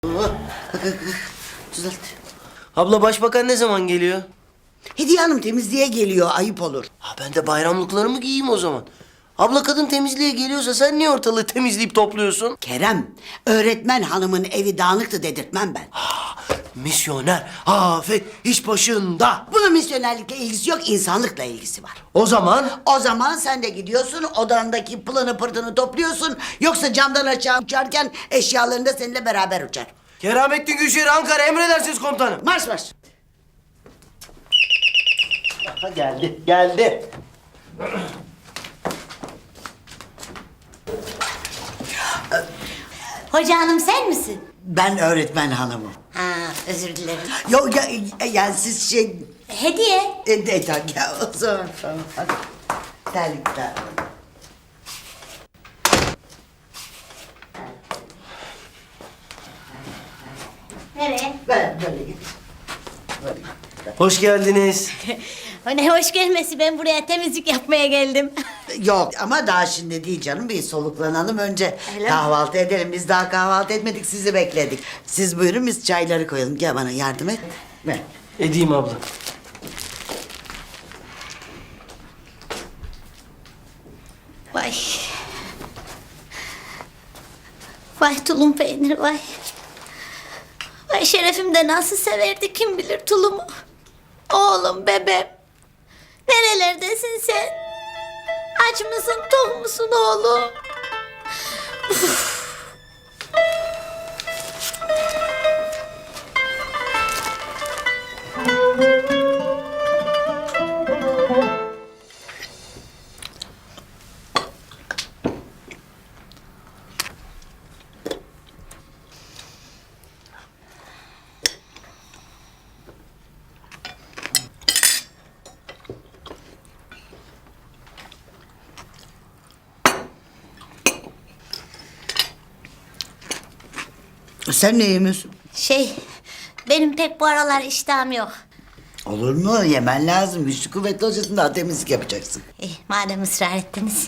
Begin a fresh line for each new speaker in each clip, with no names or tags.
Düzelt.
Abla başbakan ne zaman geliyor?
Hediye Hanım temizliğe geliyor, ayıp olur.
Ha, ben de bayramlıklarımı giyeyim o zaman. Abla kadın temizliğe geliyorsa sen niye ortalığı temizleyip topluyorsun?
Kerem, öğretmen hanımın evi dağınıktı dedirtmem ben.
Misyoner afet iş başında.
Bunun misyonerlikle ilgisi yok, insanlıkla ilgisi var.
O zaman
O zaman sen de gidiyorsun, odandaki pılını pırtını topluyorsun. Yoksa camdan aşağı uçarken eşyalarını da seninle beraber uçar.
Keramettin Gülşehir Ankara emredersiniz komutanım.
Marş marş.
Ha, geldi.
Hoca hanım sen misin?
Ben öğretmen hanımım.
Ha, özür dilerim.
Yok ya, yani siz şey...
Hediye.
Ya o zaman tamam. Hadi. Terlikler.
Nereye?
Böyle git. Böyle git.
Hoş geldiniz.
O ne hoş gelmesi, ben buraya temizlik yapmaya geldim.
Yok ama daha şimdi değil canım, bir soluklanalım önce.
Öyle mi?
Kahvaltı edelim, biz daha kahvaltı etmedik, sizi bekledik. Siz buyurun, biz çayları koyalım. Gel bana yardım et. Ver.
Edeyim abla.
Vay. Vay tulum peyniri vay. Vay şerefim de nasıl severdi kim bilir tulumu. Oğlum bebeğim. Nerelerdesin sen? Aç mısın tok musun oğlum?
Sen ne yemiyorsun?
Benim pek bu aralar iştahım yok.
Olur mu? Yemen lazım. Güçlü kuvvetli olacaksın, daha temizlik yapacaksın.
Madem ısrar ettiniz.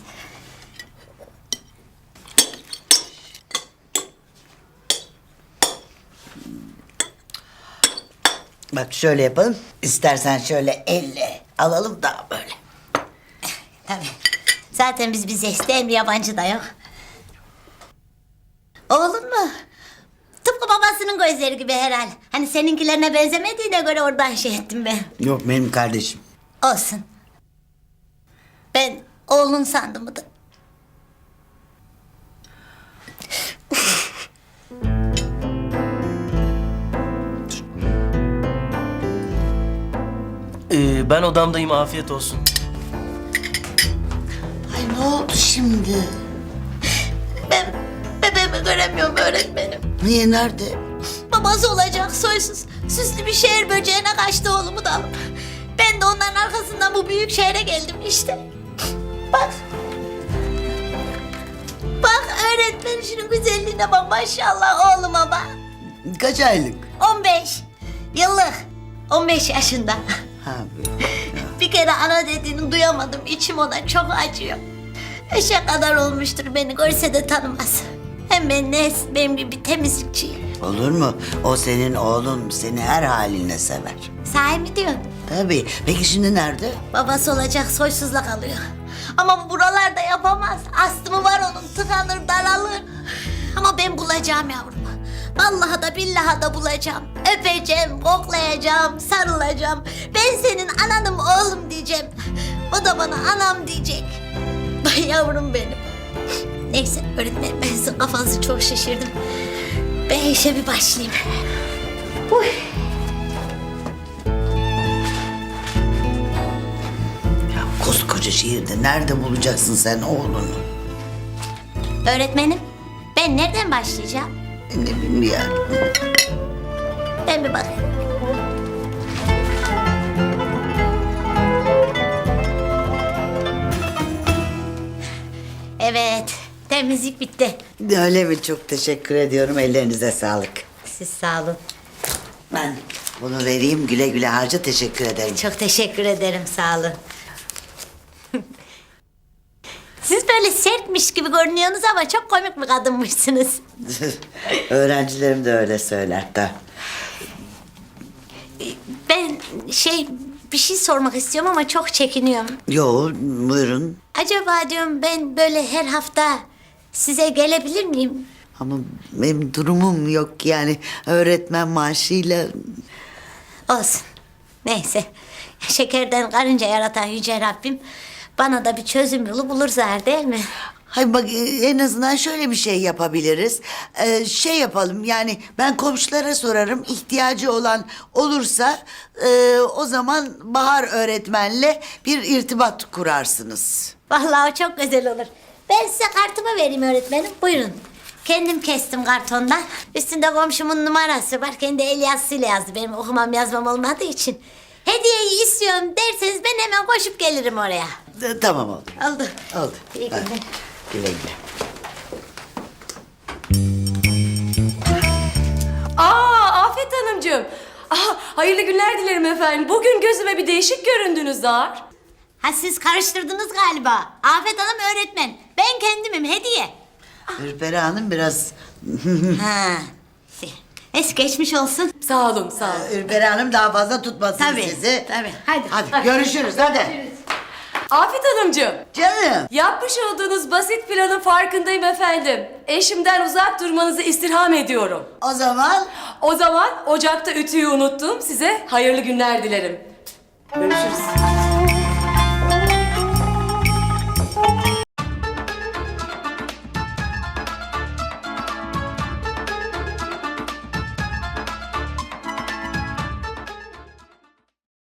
Bak şöyle yapalım. İstersen şöyle elle alalım da böyle.
Tabii. Zaten biz hem yabancı da yok. Oğlum mu? Tıpkı babasının gözleri gibi herhal. Hani seninkilerine benzemediğine göre oradan şey ettim ben.
Yok, benim kardeşim.
Olsun. Ben oğlun sandım da.
Ben odamdayım afiyet olsun.
Ay ne oldu şimdi?
Ben bebeğimi göremiyorum öğretmenim.
Niye, nerede?
Babası olacak soysuz. Süslü bir şehir böceğine kaçtı oğlumu da alıp. Ben de onların arkasından bu büyük şehre geldim işte. Bak. Bak öğretmen şunun güzelliğine bak maşallah oğluma bak.
Kaç aylık?
15 yıllık. 15 yaşında.
Ha,
Bir kere ana dediğini duyamadım. İçim ona çok acıyor. Eşe kadar olmuştur, beni görse de tanımaz. Hem ben benim gibi temizlikçiyim.
olur mu? O senin oğlun, seni her haline sever.
Sahi mi diyorsun?
Tabii. Peki şimdi nerede?
Babası olacak soysuzla kalıyor. Ama buralarda yapamaz. Astımı var onun, tıkanır daralır. Ama ben bulacağım yavrumu. Vallahi da billahi da bulacağım. Öpeceğim, koklayacağım, sarılacağım. Ben senin ananım oğlum diyeceğim. O da bana anam diyecek. Vay yavrum benim. Neyse öğretmenim, ben sizin kafanızı çok şişirdim. Ben işe bir başlayayım. Uy.
Ya koskoca şehirde nerede bulacaksın sen oğlunu?
Öğretmenim, ben nereden başlayacağım?
Ne bileyim.
Ben bir bakayım. Evet, temizlik bitti.
Öyle mi? Çok teşekkür ediyorum. Ellerinize sağlık.
Siz sağ olun.
Ben bunu vereyim, güle güle harca, teşekkür ederim.
Çok teşekkür ederim, sağ olun. Siz Böyle sertmiş gibi görünüyorsunuz ama çok komik bir kadınmışsınız.
Öğrencilerim de öyle söyler de.
Ben bir şey sormak istiyorum ama çok çekiniyorum.
Yo, buyurun.
Acaba diyorum ben böyle her hafta size gelebilir miyim?
Ama benim durumum yok yani öğretmen maaşıyla.
Olsun. Neyse. Şekerden karınca yaratan Yüce Rabbim bana da bir çözüm yolu bulur zar değil mi?
Hayır bak, en azından şöyle bir şey yapabiliriz. Şey yapalım yani, ben komşulara sorarım, ihtiyacı olan olursa o zaman Bahar öğretmenle bir irtibat kurarsınız.
Vallahi o çok güzel olur. Ben size kartımı vereyim öğretmenim. Buyurun. Kendim kestim kartondan. Üstünde komşumun numarası var. Kendi el yazısıyla yazdı. Benim okumam yazmam olmadığı için. Hediyeyi istiyorum derseniz ben hemen koşup gelirim oraya.
Tamam, oldu.
Oldu.
Oldu.
İyi
Hadi,
günler.
güle güle.
Afet Hanımcığım. Hayırlı günler dilerim efendim. Bugün gözüme bir değişik göründünüz Zahar.
Ha siz karıştırdınız galiba. Afet Hanım öğretmen. Ben kendimim hediye.
Ürperi Hanım biraz...
Ha. Es geçmiş olsun.
Sağ olun, sağ olun.
Ürperi Hanım daha fazla tutmasın
Tabii,
sizi.
tabii. Hadi.
Hadi görüşürüz, hadi.
Afet Hanımcığım.
Canım.
Yapmış olduğunuz basit planın farkındayım efendim. Eşimden uzak durmanızı istirham ediyorum.
O zaman
O zaman ocakta ütüyü unuttum. Size hayırlı günler dilerim. Görüşürüz.